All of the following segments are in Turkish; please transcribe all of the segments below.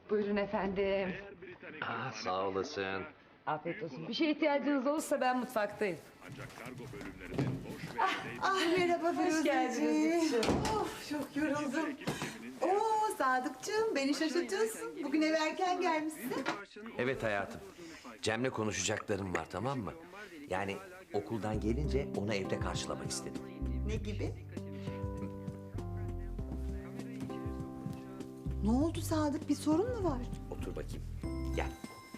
Buyurun efendim. Sağ olasın. Afiyet olsun. Bir şeye ihtiyacınız olursa ben mutfaktayım. Merhaba Hoş geldiniz Firuzeciğim. Lütfü. Of, çok yoruldum. Oo Sadıkçığım, beni şaşırtıyorsun. Bugün eve erken gelmişsin. Evet hayatım. Cem'le konuşacaklarım var, tamam mı? Yani okuldan gelince onu evde karşılamak istedim. Ne gibi? Ne oldu Sadık? Bir sorun mu var? Otur bakayım. Gel.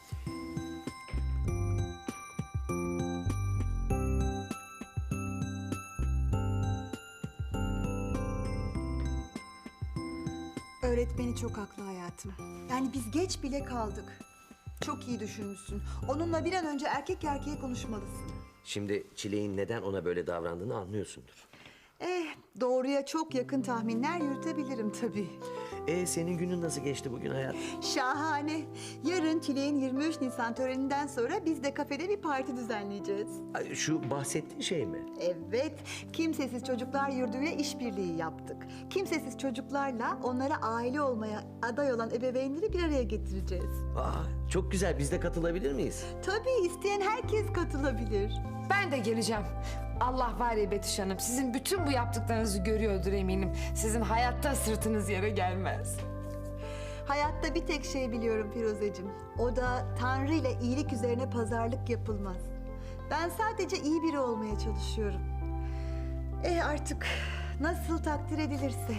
Öğretmeni çok haklı hayatım. Yani biz geç bile kaldık. Çok iyi düşünmüşsün. Onunla bir an önce erkek erkeğe konuşmalısın. Şimdi Çilek'in neden ona böyle davrandığını anlıyorsundur. Doğruya çok yakın tahminler yürütebilirim tabii. Senin günün nasıl geçti bugün hayatım? Şahane. Yarın Çileğin 23 Nisan töreninden sonra biz de kafede bir parti düzenleyeceğiz. Ay, şu bahsettiğin şey mi? Evet, Kimsesiz Çocuklar Yurdu'yla işbirliği yaptık. Kimsesiz çocuklarla onlara aile olmaya aday olan ebeveynleri bir araya getireceğiz. Çok güzel. Biz de katılabilir miyiz? Tabii isteyen herkes katılabilir. Ben de geleceğim. Allah var ya Betüş Hanım, sizin bütün bu yaptıklarınızı görüyordur eminim. Sizin hayatta sırtınız yere gelmez. Hayatta bir tek şey biliyorum Firuzeciğim. O da Tanrı ile iyilik üzerine pazarlık yapılmaz. Ben sadece iyi biri olmaya çalışıyorum. Artık nasıl takdir edilirse.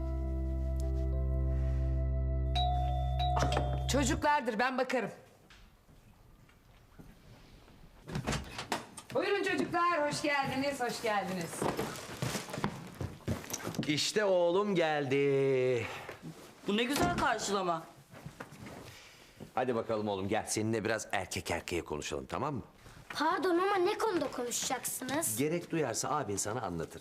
Çocuklardır, ben bakarım. Buyurun çocuklar, hoş geldiniz, hoş geldiniz. İşte oğlum geldi. Bu ne güzel karşılama. Hadi bakalım oğlum, gel. Seninle biraz erkek erkeğe konuşalım, tamam mı? Pardon ama ne konuda konuşacaksınız? Gerek duyarsa abin sana anlatır.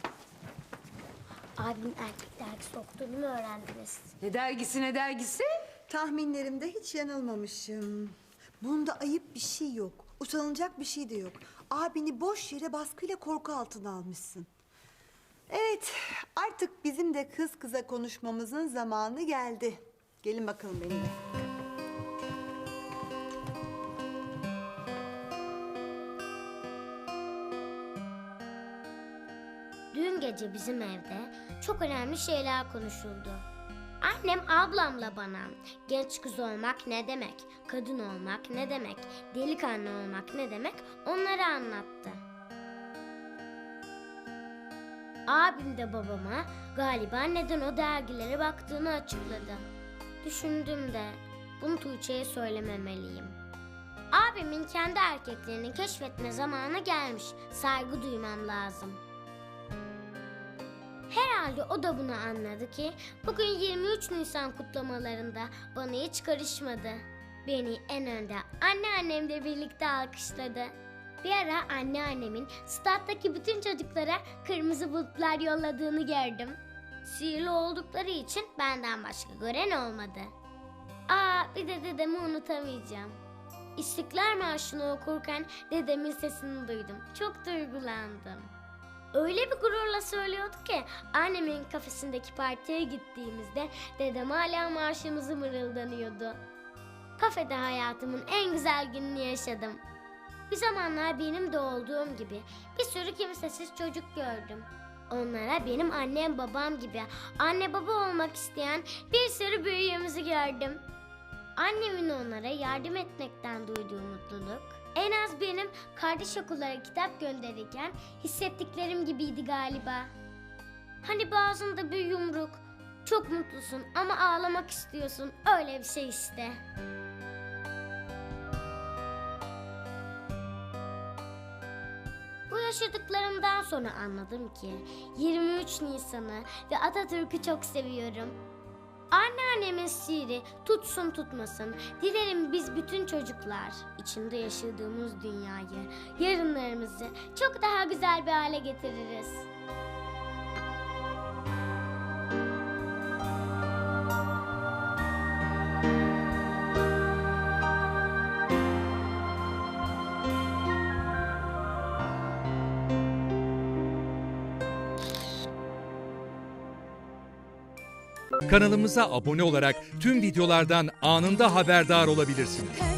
Abim erkek dergisi okuduğunu mu öğrendiniz? Ne dergisi, ne dergisi? Tahminlerimde hiç yanılmamışım. Bunda ayıp bir şey yok. Utanılacak bir şey de yok. Abini boş yere baskıyla korku altına almışsın. Evet, artık bizim de kız kıza konuşmamızın zamanı geldi. Gelin bakalım benimle. Dün gece bizim evde çok önemli şeyler konuşuldu. Annem ablamla bana genç kız olmak ne demek, kadın olmak ne demek, delikanlı olmak ne demek onları anlattı. Abim de babama galiba neden o dergilere baktığını açıkladı. Düşündüm de bunu Tuğçe'ye söylememeliyim. Abimin kendi erkeklerini keşfetme zamanı gelmiş. Saygı duymam lazım. Herhalde o da bunu anladı ki bugün 23 Nisan kutlamalarında bana hiç karışmadı. Beni en önde anneannemle birlikte alkışladı. Bir ara anneannemin stattaki bütün çocuklara kırmızı bulutlar yolladığını gördüm. Sihirli oldukları için benden başka gören olmadı. Bir de dedemi unutamayacağım. İstiklal Marşı'nı okurken dedemin sesini duydum. Çok duygulandım. Öyle bir gururla söylüyordu ki annemin kafesindeki partiye gittiğimizde dedem hala marşımızı mırıldanıyordu. Kafede hayatımın en güzel gününü yaşadım. Bir zamanlar benim de olduğum gibi bir sürü kimsesiz çocuk gördüm. Onlara benim annem babam gibi anne baba olmak isteyen bir sürü büyüğümüzü gördüm. Annemin onlara yardım etmekten duyduğu mutluluk en az benim kardeş okullara kitap gönderirken hissettiklerim gibiydi galiba. Hani boğazında bir yumruk, çok mutlusun ama ağlamak istiyorsun, öyle bir şey işte. Bu yaşadıklarımdan sonra anladım ki 23 Nisan'ı ve Atatürk'ü çok seviyorum. Anneannemin şiiri tutsun tutmasın. Dilerim biz bütün çocuklar içinde yaşadığımız dünyayı, yarınlarımızı çok daha güzel bir hale getiririz. Kanalımıza abone olarak tüm videolardan anında haberdar olabilirsiniz.